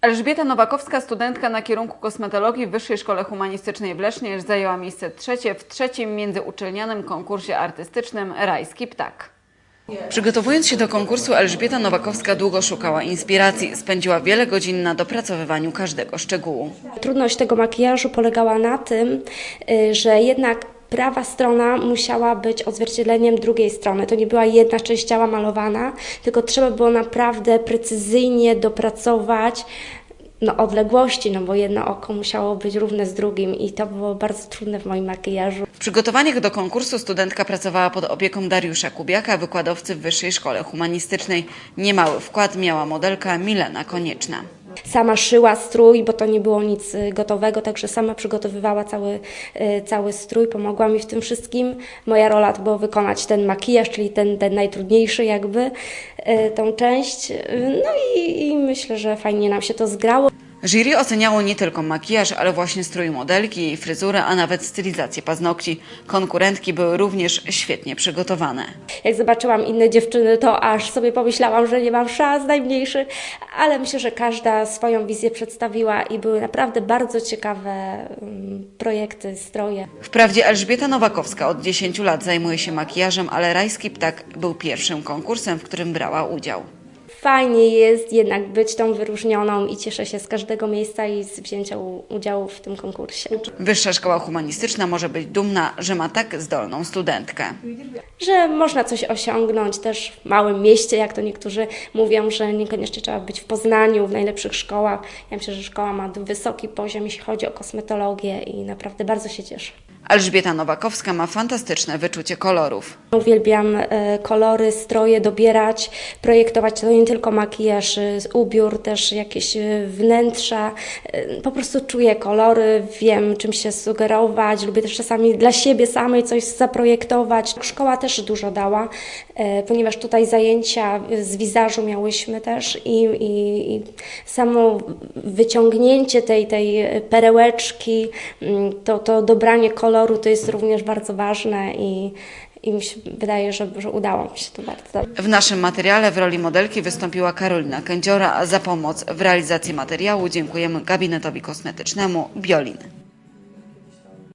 Elżbieta Nowakowska, studentka na kierunku kosmetologii w Wyższej Szkole Humanistycznej w Lesznie, zajęła miejsce trzecie w trzecim międzyuczelnianym konkursie artystycznym Rajski Ptak. Przygotowując się do konkursu, Elżbieta Nowakowska długo szukała inspiracji. Spędziła wiele godzin na dopracowywaniu każdego szczegółu. Trudność tego makijażu polegała na tym, że jednak prawa strona musiała być odzwierciedleniem drugiej strony. To nie była jedna część ciała malowana, tylko trzeba było naprawdę precyzyjnie dopracować odległości, bo jedno oko musiało być równe z drugim i to było bardzo trudne w moim makijażu. W przygotowaniach do konkursu studentka pracowała pod opieką Dariusza Kubiaka, wykładowcy w Wyższej Szkole Humanistycznej. Niemały wkład miała modelka Milena Konieczna. Sama szyła strój, bo to nie było nic gotowego, także sama przygotowywała cały strój, pomogła mi w tym wszystkim. Moja rola to było wykonać ten makijaż, czyli ten najtrudniejszy tą część. I myślę, że fajnie nam się to zgrało. Jury oceniało nie tylko makijaż, ale właśnie strój modelki, jej fryzurę, a nawet stylizację paznokci. Konkurentki były również świetnie przygotowane. Jak zobaczyłam inne dziewczyny, to aż sobie pomyślałam, że nie mam szans najmniejszych, ale myślę, że każda swoją wizję przedstawiła i były naprawdę bardzo ciekawe projekty, stroje. Wprawdzie Elżbieta Nowakowska od 10 lat zajmuje się makijażem, ale Rajski Ptak był pierwszym konkursem, w którym brała udział. Fajnie jest jednak być tą wyróżnioną i cieszę się z każdego miejsca i z wzięcia udziału w tym konkursie. Wyższa Szkoła Humanistyczna może być dumna, że ma tak zdolną studentkę. Że można coś osiągnąć też w małym mieście, jak to niektórzy mówią, że niekoniecznie trzeba być w Poznaniu, w najlepszych szkołach. Ja myślę, że szkoła ma wysoki poziom, jeśli chodzi o kosmetologię i naprawdę bardzo się cieszę. Elżbieta Nowakowska ma fantastyczne wyczucie kolorów. Uwielbiam kolory, stroje dobierać, projektować to nie tylko makijaż, ubiór, też jakieś wnętrza. Po prostu czuję kolory, wiem czym się sugerować, lubię też czasami dla siebie samej coś zaprojektować. Szkoła też dużo dała, ponieważ tutaj zajęcia z wizażu miałyśmy też i samo wyciągnięcie tej perełeczki, to dobranie koloru to jest również bardzo ważne i mi się wydaje, że udało mi się to bardzo dobrze. W naszym materiale w roli modelki wystąpiła Karolina Kędziora, a za pomoc w realizacji materiału dziękujemy gabinetowi kosmetycznemu Biolin.